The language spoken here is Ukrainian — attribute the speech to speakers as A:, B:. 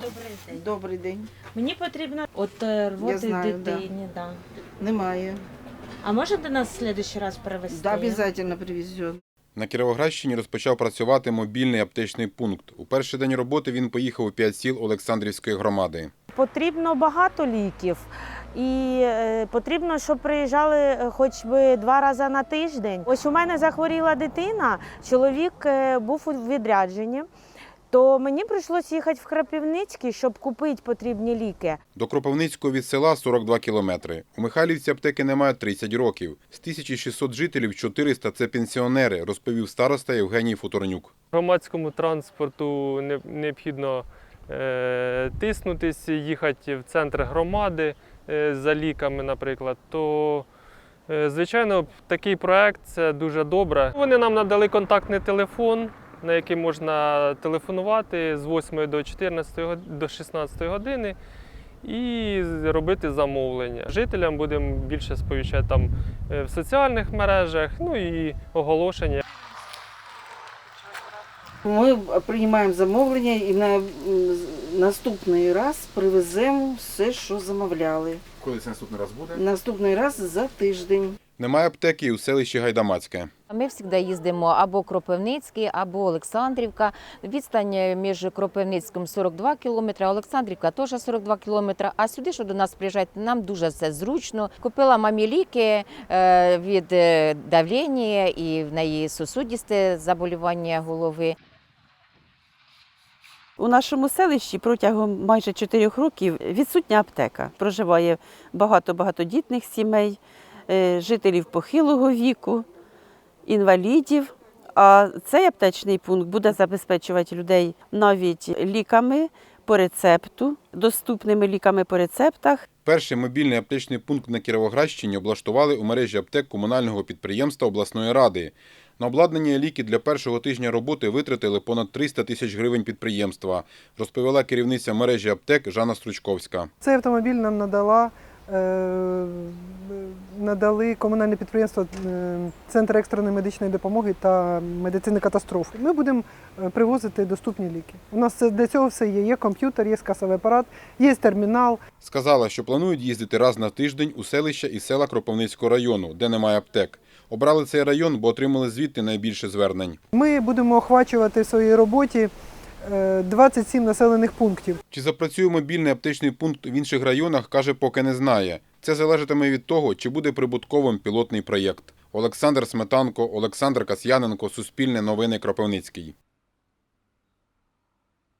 A: Добрий день.
B: Добрий день.
A: Мені потрібно рвоти
B: знаю,
A: дитині. Да.
B: Немає.
A: А може до нас в следующий раз привезти?
B: Да, обов'язково привезет.
C: На Кіровоградщині розпочав працювати мобільний аптечний пункт. У перший день роботи він поїхав у 5 сіл Олександрівської громади.
D: Потрібно багато ліків і потрібно, щоб приїжджали хоч би 2 рази на тиждень. Ось у мене захворіла дитина, чоловік був у відрядженні, то мені прийшлося їхати в Кропивницький, щоб купити потрібні ліки.
C: До Кропивницького від села 42 кілометри. У Михайлівці аптеки немає 30 років. З 1600 жителів 400 – це пенсіонери, розповів староста Євгеній Футорнюк.
E: Громадському транспорту необхідно тиснутися, їхати в центр громади за ліками, наприклад, то, звичайно, такий проект – це дуже добре. Вони нам надали контактний телефон, на який можна телефонувати з 8 до 16 години і робити замовлення. Жителям будемо більше сповіщати там в соціальних мережах, ну і оголошення.
B: Ми приймаємо замовлення і на наступний раз привеземо все, що замовляли.
C: Коли це наступний раз буде?
B: Наступний раз за тиждень.
C: Немає аптеки і у селищі Гайдамацьке.
F: Ми завжди їздимо або Кропивницький, або Олександрівка. Відстань між Кропивницьким 42 кілометри, а Олександрівка теж 42 кілометри. А сюди, що до нас приїжджають, нам дуже все зручно. Купила мамі ліки від давлення і в неї сосудисте заболівання голови.
D: У нашому селищі протягом майже 4 років відсутня аптека. Проживає багато багатодітних сімей, жителів похилого віку, інвалідів. А цей аптечний пункт буде забезпечувати людей навіть ліками по рецепту, доступними ліками по рецептах.
C: Перший мобільний аптечний пункт на Кіровоградщині облаштували у мережі аптек комунального підприємства обласної ради. На обладнання і ліки для першого тижня роботи витратили понад 300 тисяч гривень підприємства, розповіла керівниця мережі аптек Жанна Стручковська.
G: Цей автомобіль нам надали комунальне підприємство Центр екстреної медичної допомоги та медицини катастрофи. Ми будемо привозити доступні ліки. У нас для цього все є. Є комп'ютер, є касовий апарат, є термінал.
C: Сказала, що планують їздити раз на тиждень у селища і села Кропивницького району, де немає аптек. Обрали цей район, бо отримали звідти найбільше звернень.
G: Ми будемо охвачувати в своїй роботі 27 населених пунктів.
C: Чи запрацює мобільний аптечний пункт в інших районах, каже, поки не знає. Це залежатиме від того, чи буде прибутковим пілотний проєкт. Олександр Сметанко, Олександр Касьяненко, Суспільне новини, Кропивницький.